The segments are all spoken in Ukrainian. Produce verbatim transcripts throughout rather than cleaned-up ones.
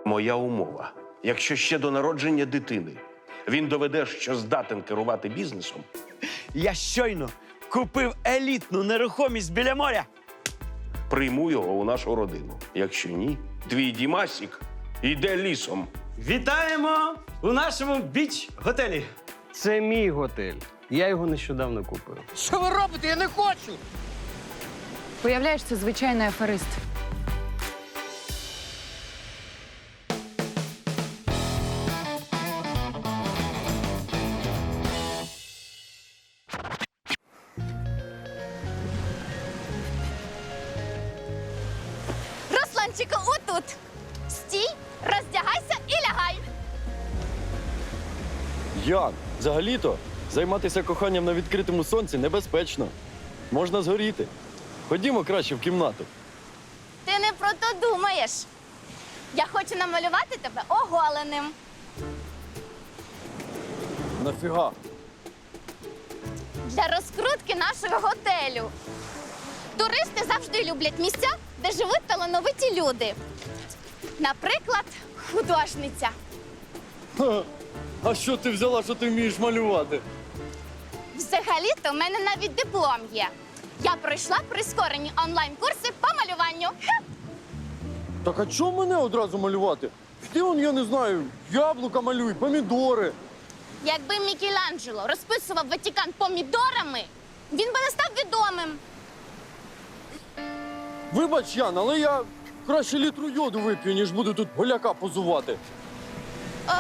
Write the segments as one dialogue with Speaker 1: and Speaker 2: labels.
Speaker 1: Моя умова. Якщо ще до народження дитини він доведе, що здатен керувати бізнесом,
Speaker 2: Я щойно купив елітну нерухомість біля моря.
Speaker 1: прийму його у нашу родину. Якщо ні, твій Дімасік йде лісом.
Speaker 2: Вітаємо у нашому біч-готелі.
Speaker 3: Це мій готель. Я його нещодавно купив.
Speaker 4: Що ви робите? Я не хочу!
Speaker 5: Уявляєш, це звичайний аферист.
Speaker 6: Русланчику, отут. Стій, роздягайся і лягай.
Speaker 7: Як? Взагалі-то займатися коханням на відкритому сонці небезпечно. Можна згоріти. Ходімо краще в кімнату.
Speaker 6: Ти не про то думаєш. Я хочу намалювати тебе оголеним.
Speaker 7: Нафіга?
Speaker 6: Для розкрутки нашого готелю. Туристи завжди люблять місця, де живуть талановиті люди. Наприклад, художниця.
Speaker 7: Ха. А що ти взяла, що ти вмієш малювати?
Speaker 6: Взагалі-то в мене навіть диплом є. Я пройшла прискорені онлайн-курси по малюванню. Ха!
Speaker 7: Так а чому мене одразу малювати? Ти он, я не знаю, яблука малюй, помідори.
Speaker 6: Якби Мікеланджело розписував Ватикан помідорами, він би не став відомим.
Speaker 7: Вибач, Ян, але я краще літру йоду вип'ю, ніж буду тут голяка позувати.
Speaker 6: А...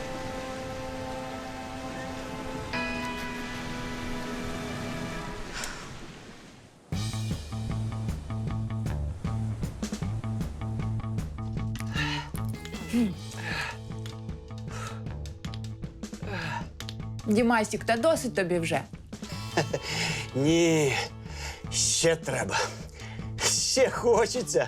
Speaker 5: Дімасік, та досить тобі вже.
Speaker 2: Ні, ще треба. Ще хочеться.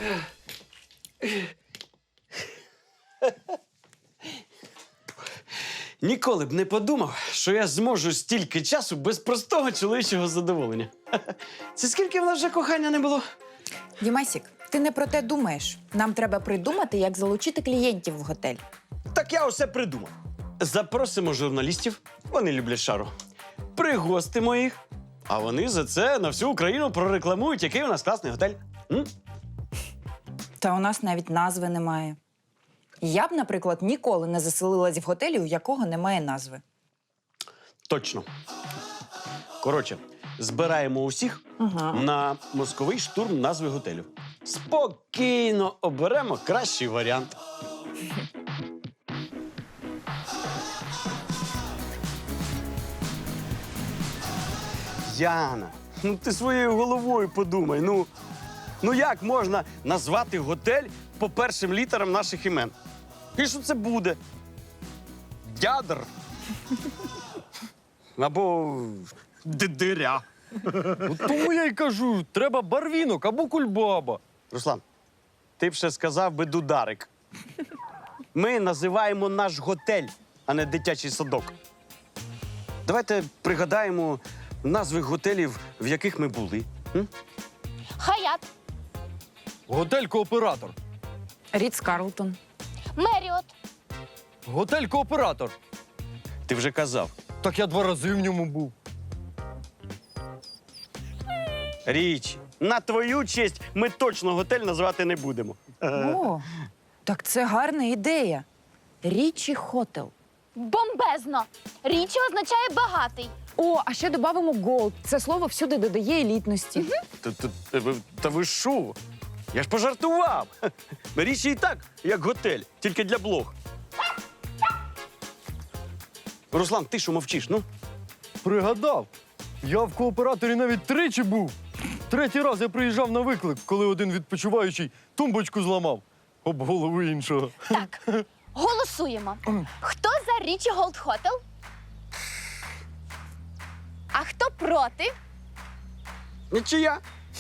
Speaker 2: Ніколи б не подумав, що я зможу стільки часу без простого чоловічого задоволення. Це скільки в нас вже кохання не було?
Speaker 5: Дімасік, ти не про те думаєш. Нам треба придумати, як залучити клієнтів в готель.
Speaker 2: Так я усе придумав. Запросимо журналістів, вони люблять шару. Пригостимо їх, а вони за це на всю Україну прорекламують, який у нас класний готель. М?
Speaker 5: Та у нас навіть назви немає. Я б, наприклад, ніколи не заселилась в готелі, у якого немає назви.
Speaker 2: Точно. Коротше, збираємо усіх
Speaker 5: Ага.
Speaker 2: на мозковий штурм назви готелю. Спокійно оберемо кращий варіант. Яна, ну ти своєю головою подумай. Ну, ну як можна назвати готель по першим літерам наших імен? І що це буде? Дядр? Або дидиря.
Speaker 7: От тому я й кажу, треба барвінок або кульбаба.
Speaker 2: Руслан, ти б ще сказав би дударик. Ми називаємо наш готель, а не дитячий садок. Давайте пригадаємо назви готелів, в яких ми були. М?
Speaker 6: Хаят,
Speaker 7: Готель-кооператор.
Speaker 5: Ріц Карлтон.
Speaker 6: Меріот,
Speaker 7: Готель-кооператор.
Speaker 2: Ти вже казав.
Speaker 7: Так я два рази в ньому був.
Speaker 2: Річ, на твою честь ми точно готель назвати не будемо.
Speaker 5: О, так це гарна ідея. Річі Хотел.
Speaker 6: бомбезно. Річі означає багатий.
Speaker 5: О, а ще додамо голд. Це слово всюди додає елітності.
Speaker 2: Та, та, та, ви- та ви що? Я ж пожартував. Річ і так, як готель, тільки для блог. Руслан, ти що мовчиш? Ну?
Speaker 7: Пригадав. Я в кооператорі навіть тричі був. Третій раз я приїжджав на виклик, коли один відпочиваючий тумбочку зламав. Об голову іншого.
Speaker 6: Так, голосуємо. Хто за Річі Голд Хотел? А хто проти?
Speaker 2: Нічия.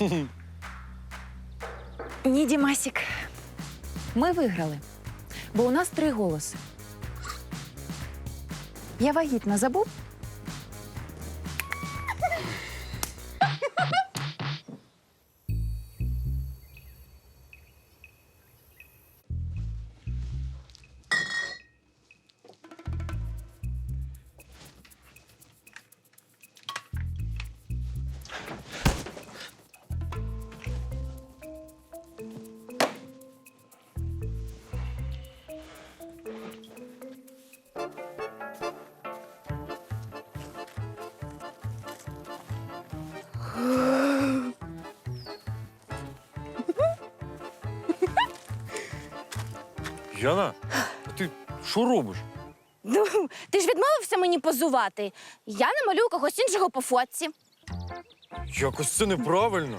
Speaker 5: Ні, Дімасік. Ми виграли, бо у нас три голоси. Я вагітна, забув?
Speaker 7: Яна, а ти що робиш?
Speaker 6: Ну, ти ж відмовився мені позувати. Я намалюю когось іншого по фотці.
Speaker 7: Якось це неправильно.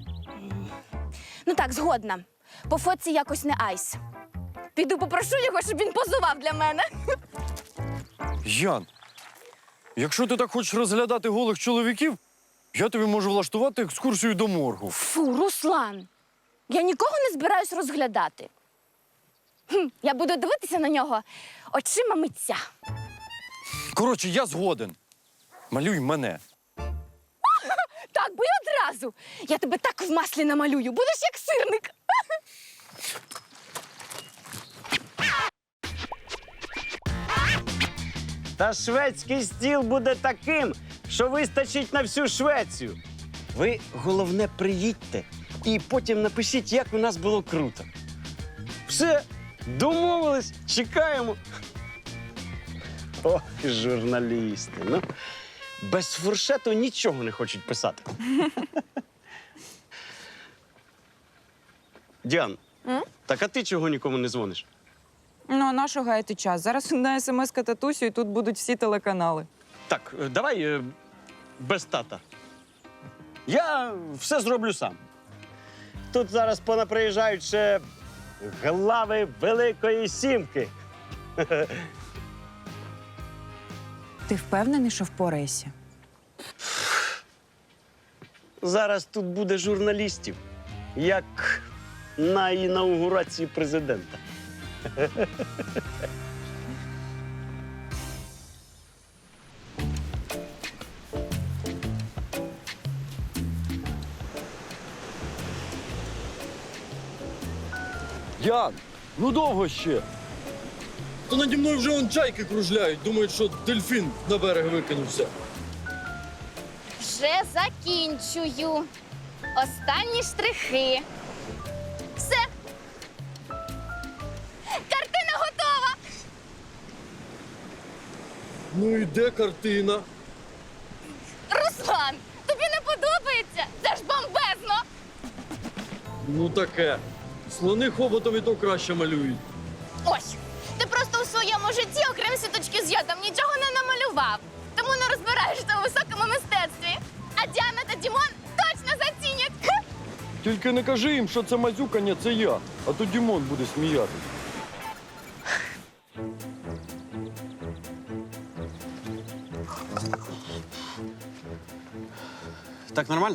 Speaker 6: Ну так, згодна. По фотці якось не айс. Піду попрошу його, щоб він позував для мене.
Speaker 7: Ян, якщо ти так хочеш розглядати голих чоловіків, я тобі можу влаштувати екскурсію до моргу.
Speaker 6: Фу, Руслан. Я нікого не збираюсь розглядати. Хм, я буду дивитися на нього очима митця.
Speaker 7: Коротше, я згоден. Малюй мене.
Speaker 6: Так, бо й одразу. Я тебе так в маслі намалюю. Будеш як сирник.
Speaker 2: Та шведський стіл буде таким, що вистачить на всю Швецію. Ви, головне, приїдьте і потім напишіть, як у нас було круто. Все, домовились, чекаємо. О, журналісти. Ну, без фуршету нічого не хочуть писати. Діан, так а ти чого нікому не дзвониш?
Speaker 5: Ну, а на що гаяти час? Зараз на смс-ка татусю, і тут будуть всі телеканали.
Speaker 2: Так, е, давай е, без тата. Я все зроблю сам. Тут зараз понаприїжджають ще глави Великої Сімки.
Speaker 5: Ти впевнений, що впораєшся?
Speaker 2: Зараз тут буде журналістів, як на інаугурації президента.
Speaker 7: Ян, ну довго ще. То наді мною вже он чайки кружляють, думають, що дельфін на берег викинувся.
Speaker 6: Вже закінчую. Останні штрихи. Все. Картина готова.
Speaker 7: Ну і де картина?
Speaker 6: Руслан, тобі не подобається? Це ж бомбезно.
Speaker 7: Ну таке. Слони хоботом і то краще малюють.
Speaker 6: Ось, ти просто у своєму житті, окрім сіточки з йодом, нічого не намалював. Тому не розбираєшся у високому мистецтві. А Діана та Дімон точно зацінять. Хе.
Speaker 7: Тільки не кажи їм, що це мазюкання, це я, а то Дімон буде сміятись.
Speaker 2: Так нормально?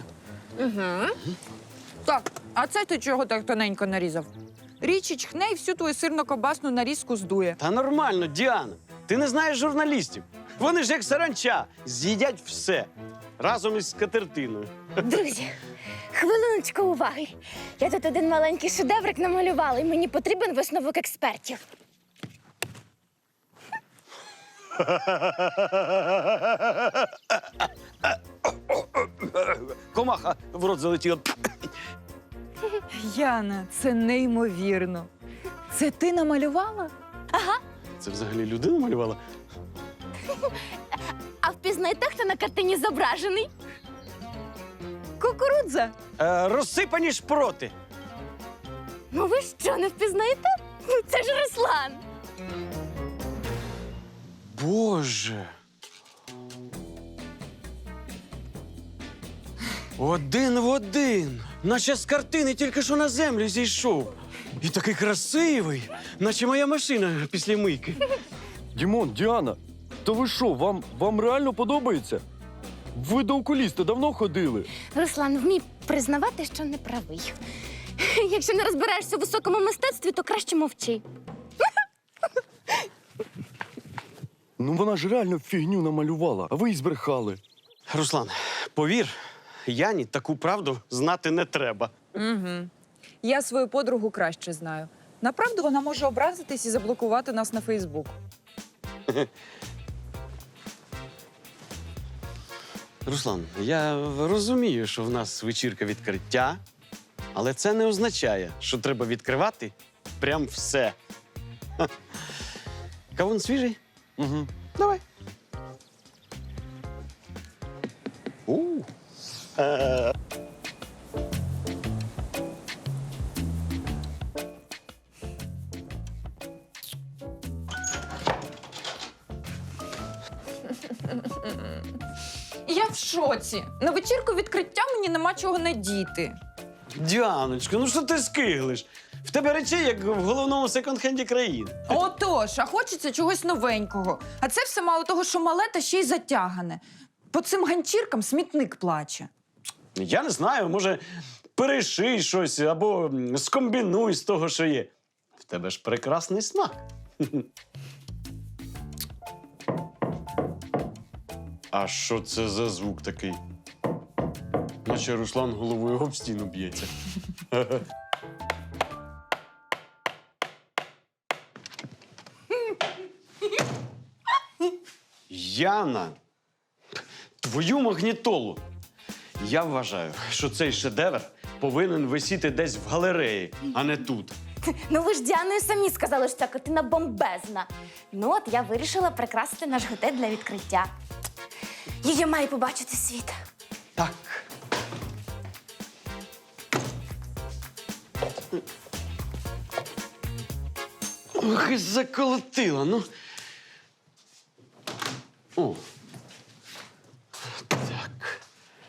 Speaker 5: Так, а це ти чого так тоненько нарізав? Річі чхне і всю твою сирно-кобасну нарізку здує.
Speaker 2: Та нормально, Діана. Ти не знаєш журналістів. Вони ж як саранча, з'їдять все. Разом із скатертиною.
Speaker 6: Друзі, хвилиночку уваги. Я тут один маленький шедеврик намалювала, і мені потрібен висновок експертів.
Speaker 2: Комаха в рот залетіла.
Speaker 5: Яна, це неймовірно. Це ти намалювала?
Speaker 2: Це взагалі людина малювала?
Speaker 6: А впізнаєте, хто на картині зображений?
Speaker 5: Кукурудза.
Speaker 2: Е, розсипані шпроти.
Speaker 6: Ну ви що, не впізнаєте? Ну, це ж Руслан.
Speaker 2: Боже. Один в один. Наче з картини тільки що на землю зійшов. І такий красивий, наче моя машина після мийки.
Speaker 7: Дімон, Діана, то ви що, вам, вам реально подобається? Ви до окуліста давно ходили?
Speaker 6: Руслан, вмій признавати, що не правий. Якщо не розбираєшся у високому мистецтві, то краще мовчи.
Speaker 7: Ну вона ж реально фігню намалювала, а ви й збрехали.
Speaker 2: Руслан, повір, Яні таку правду знати не треба.
Speaker 5: Угу. Я свою подругу краще знаю. Направду вона може образитись і заблокувати нас на Фейсбук.
Speaker 2: Руслан, я розумію, що в нас вечірка відкриття, але це не означає, що треба відкривати прям все. Ха. Кавун свіжий?
Speaker 7: Угу.
Speaker 2: Давай. У. Е.
Speaker 5: Я в шоці. На вечірку відкриття мені нема чого надіти.
Speaker 2: Діаночка, ну що ти скиглиш? В тебе речей, як в головному секонд-хенді країни.
Speaker 5: Отож, а хочеться чогось новенького. А це все мало того, що мале та ще й затягане. По цим ганчіркам смітник плаче.
Speaker 2: Я не знаю, може, переший щось або м, скомбінуй з того, що є. В тебе ж прекрасний смак. А що це за звук такий? Наче Руслан головою об стіну б'ється. Яна, твою магнітолу. Я вважаю, що цей шедевр повинен висіти десь в галереї, а не тут.
Speaker 6: Ну ви ж Діаною самі сказали, що ця картина бомбезна. Ну от я вирішила прикрасити наш готель для відкриття. Її має побачити світ.
Speaker 2: Так. Ох, і заколотила, ну. О. Так.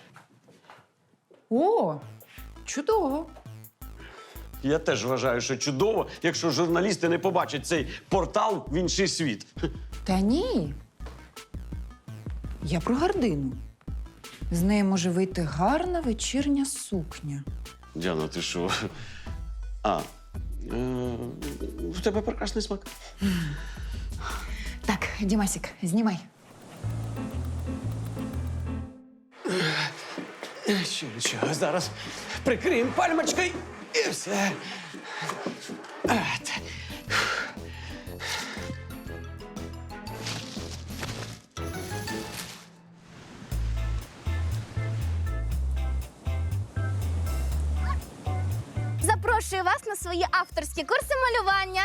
Speaker 5: О, чудово.
Speaker 2: Я теж вважаю, що чудово, якщо журналісти не побачать цей портал в інший світ.
Speaker 5: Та ні. Я про гардину. З неї може вийти гарна вечірня сукня.
Speaker 2: Діана, ти що? А, е, в тебе прекрасний смак.
Speaker 5: Так, Дімасік, знімай.
Speaker 2: Що, нічого, зараз прикриємо пальмочкою і все. От.
Speaker 6: Запрошую вас на свої авторські курси малювання.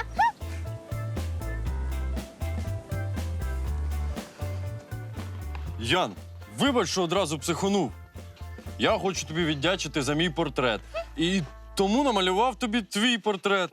Speaker 7: Ян, вибач, що одразу психонув. Я хочу тобі віддячити за мій портрет. І тому намалював тобі твій портрет.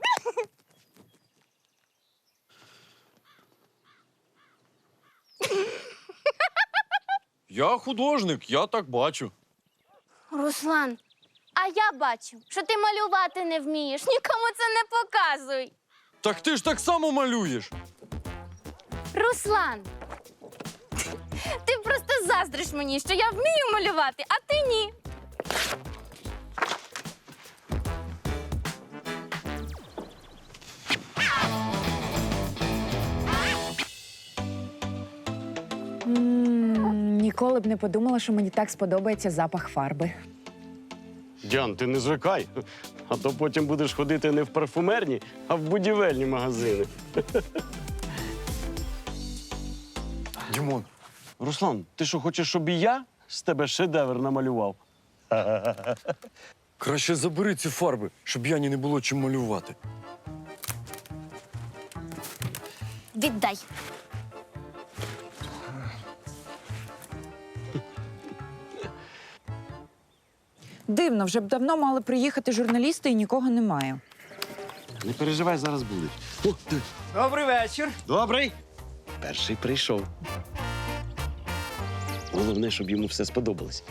Speaker 7: Я художник, я так бачу.
Speaker 6: Руслан, а я бачу, що ти малювати не вмієш. Нікому це не показуй.
Speaker 7: Так ти ж так само малюєш.
Speaker 6: Руслан, ти просто заздриш мені, що я вмію малювати, а ти ні.
Speaker 5: Ніколи б не подумала, що мені так сподобається запах фарби.
Speaker 2: Діан, ти не звикай, а то потім будеш ходити не в парфумерні, а в будівельні магазини.
Speaker 7: Дімон,
Speaker 2: Руслан, ти що, хочеш, щоб і я з тебе шедевр намалював?
Speaker 7: краще забери ці фарби, щоб Яні не було чим малювати.
Speaker 6: Віддай.
Speaker 5: Дивно, вже б давно мали приїхати журналісти і нікого немає.
Speaker 2: Не переживай, зараз будуть. О, диви.
Speaker 3: Добрий вечір.
Speaker 2: Добрий. Перший прийшов. Головне, щоб йому все сподобалось.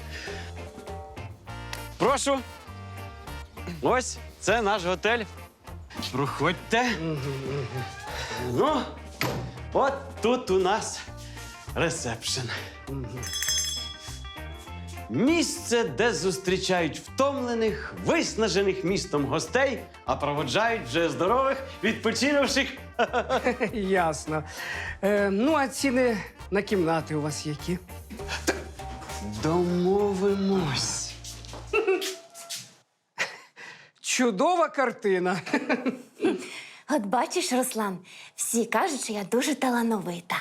Speaker 2: Прошу. Ось це наш готель. Проходьте. Ну, от тут у нас ресепшн. Місце, де зустрічають втомлених, виснажених містом гостей, а проводжають вже здорових, відпочинувших.
Speaker 4: Ясно. Е, ну, а ціни на кімнати у вас які?
Speaker 2: Домовимось.
Speaker 4: Чудова картина.
Speaker 6: От бачиш, Руслан, всі кажуть, що я дуже талановита.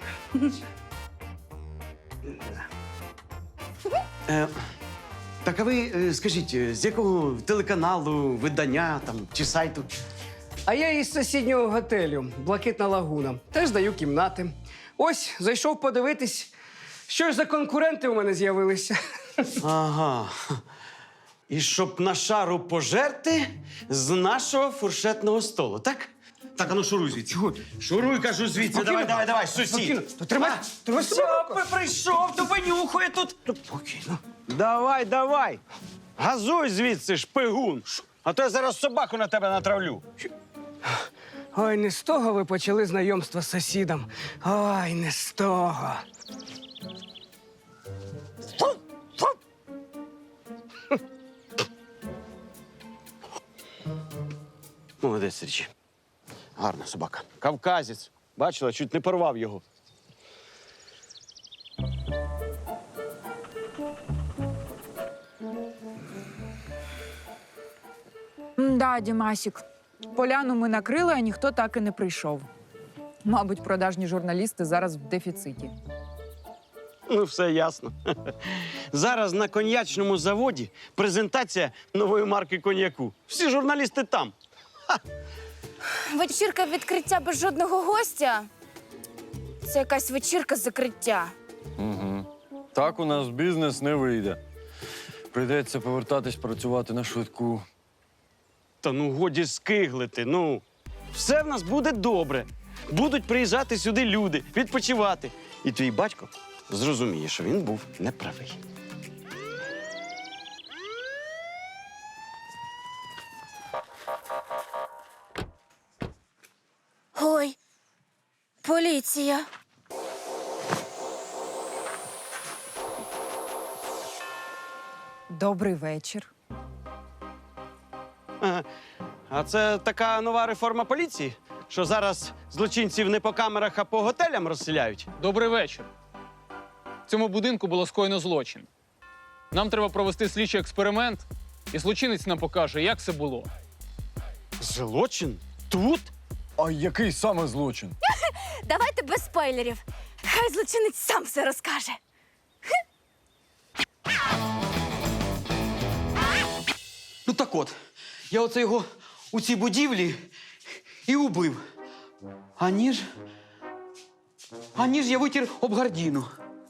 Speaker 2: Е, так, а ви е, скажіть, е, з якого телеканалу, видання там, чи сайту?
Speaker 4: А я із сусіднього готелю Блакитна лагуна. Теж даю кімнати. Ось, зайшов подивитись, що ж за конкуренти у мене з'явилися.
Speaker 2: Ага. І щоб на шару пожерти з нашого фуршетного столу, так? Так. Так, а ну шуруй звідси. Чого? Шуруй, кажу, звідси. Давай, давай, давай, сусід.
Speaker 4: Спокійно. То тримай, тримай себе.
Speaker 2: Все, прийшов, то винюхує тут. Спокійно. Давай, давай. Газуй звідси, шпигун. А то я зараз собаку на тебе натравлю.
Speaker 4: Ой, не з того ви почали знайомство з сусідом. Ой, не з того.
Speaker 2: Молодець, Річі. Гарна собака. Кавказець. Бачила, чуть не порвав його.
Speaker 5: Да, Дімасік. Поляну ми накрили, а ніхто так і не прийшов. Мабуть, продажні журналісти зараз в дефіциті.
Speaker 2: Ну, все ясно. Зараз на коньячному заводі презентація нової марки коньяку. Всі журналісти там.
Speaker 6: Вечірка відкриття без жодного гостя. Це якась вечірка закриття.
Speaker 7: Угу. Так у нас бізнес не вийде. Прийдеться повертатись працювати на швидку.
Speaker 2: Та ну годі скиглити, ну. Все в нас буде добре. Будуть приїжджати сюди люди, відпочивати. І твій батько зрозуміє, що він був неправий.
Speaker 6: Ой, поліція.
Speaker 5: Добрий вечір.
Speaker 2: Ага. А це така нова реформа поліції, що зараз злочинців не по камерах, а по готелям розселяють.
Speaker 8: Добрий вечір. В цьому будинку було скоєно злочин. Нам треба провести слідчий експеримент, і злочинець нам покаже, як це було.
Speaker 2: Злочин? Тут?
Speaker 7: А який саме злочин?
Speaker 6: Давайте без спойлерів. Хай злочинець сам все розкаже.
Speaker 9: Ну так от, я оце його у цій будівлі і убив. А ніж. А ніж я витір об гардіну.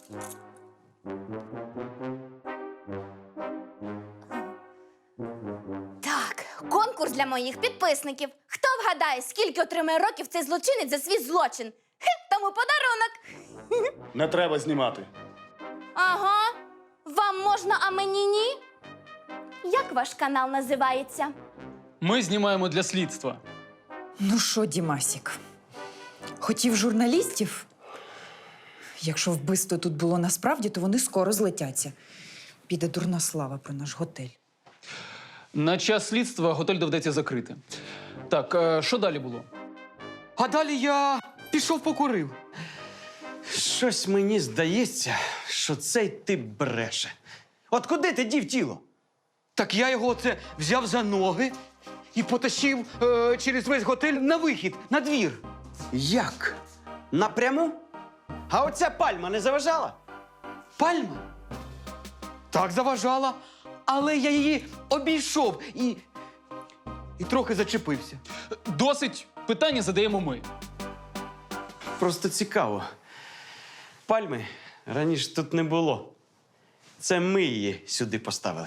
Speaker 6: Так, конкурс для моїх підписників. Хто вгадає, скільки отримає років цей злочинець за свій злочин? Хе, тому подарунок.
Speaker 10: Не треба знімати.
Speaker 6: Ага. Вам можна, а мені ні? Як ваш канал називається?
Speaker 8: Ми знімаємо для слідства.
Speaker 5: Ну що, Дімасік, хотів журналістів? Якщо вбивство тут було насправді, то вони скоро злетяться. Піде дурна слава про наш готель.
Speaker 8: На час слідства готель доведеться закрити. Так, е, що далі було?
Speaker 9: А далі я пішов покурив.
Speaker 2: Щось мені здається, що цей тип бреше. От куди ти дів тіло?
Speaker 9: Так я його оце взяв за ноги і потащив е, через весь готель на вихід, на двір.
Speaker 2: Як? Напряму? А оця пальма не заважала?
Speaker 9: Пальма? Так заважала, але я її обійшов і. і трохи зачепився.
Speaker 8: Досить питання задаємо ми.
Speaker 2: Просто цікаво. Пальми раніше тут не було. Це ми її сюди поставили.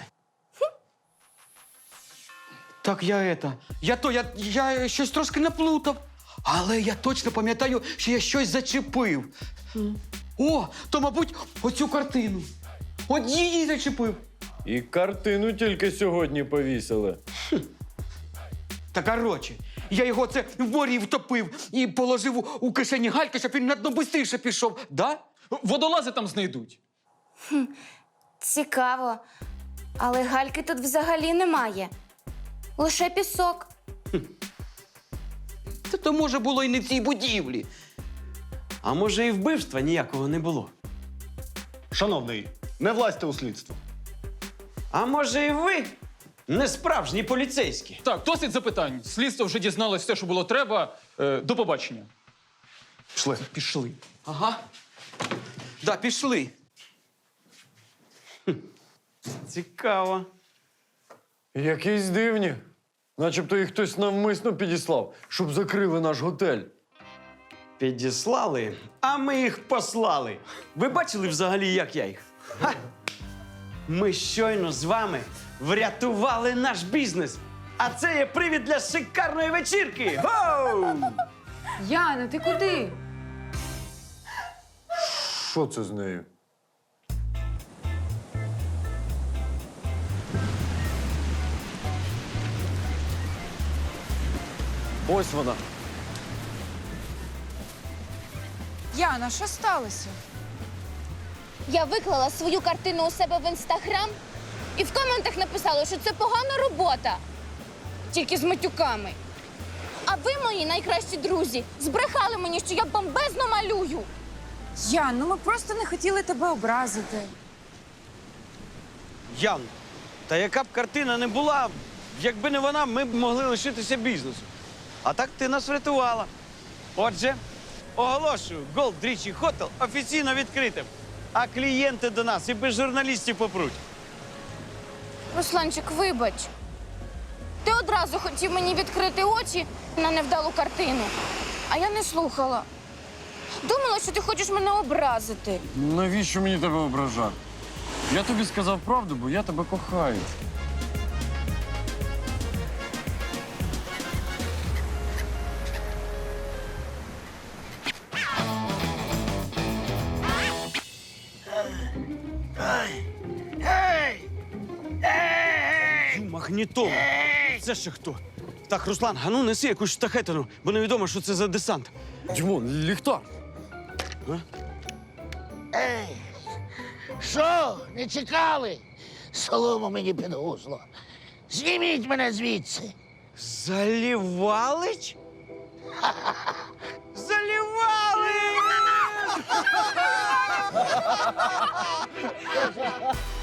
Speaker 9: Так я ета. Я то, я, я щось трошки наплутав. Але я точно пам'ятаю, що я щось зачепив. О, то, мабуть, оцю картину. От її зачепив.
Speaker 7: І картину тільки сьогодні повісили.
Speaker 9: Та коротше, я його це в морі втопив і положив у, у кишені гальки, щоб він на дно бистріше пішов. Да?
Speaker 8: Водолази там знайдуть.
Speaker 6: Цікаво. Але гальки тут взагалі немає. Лише пісок.
Speaker 9: Та то, може, було і не в цій будівлі.
Speaker 2: А може і вбивства ніякого не було?
Speaker 10: Шановний, не влазьте у слідство.
Speaker 2: А може і ви не справжні поліцейські?
Speaker 8: Так, досить запитань. Слідство вже дізналось все, що було треба. Е, до побачення.
Speaker 10: Пішли.
Speaker 8: Пішли.
Speaker 9: Ага. Да, пішли.
Speaker 2: Цікаво.
Speaker 7: Якісь дивні. Начебто їх хтось навмисно підіслав, щоб закрили наш готель.
Speaker 2: Підіслали, а ми їх послали. Ви бачили взагалі, як я їх? Ха! Ми щойно з вами врятували наш бізнес. А це є привід для шикарної вечірки. Гоу!
Speaker 5: Яна, ти куди?
Speaker 7: Що це з нею? Ось вона.
Speaker 5: Яна, що сталося?
Speaker 6: Я виклала свою картину у себе в інстаграм і в коментах написала, що це погана робота. Тільки з матюками. А ви, мої найкращі друзі, збрехали мені, що я бомбезно малюю.
Speaker 5: Ян, ну ми просто не хотіли тебе образити.
Speaker 2: Ян, та яка б картина не була, якби не вона, ми б могли лишитися бізнесу. А так ти нас врятувала. Отже, оголошую, Gold Річі Хотел офіційно відкритим. А клієнти до нас і без журналістів попруть.
Speaker 6: Русланчик, вибач. Ти одразу хотів мені відкрити очі на невдалу картину, а я не слухала. Думала, що ти хочеш мене образити.
Speaker 7: Навіщо мені тебе ображати? Я тобі сказав правду, бо я тебе кохаю.
Speaker 2: Магнітола. Це ще хто? Так, Руслан, а ну неси якусь штахетину, бо невідомо, що це за десант.
Speaker 7: Дімон, ліхтар.
Speaker 11: Що, не чекали? Солому мені під гузло. Зніміть мене звідси.
Speaker 2: Залівалич? Залівалич!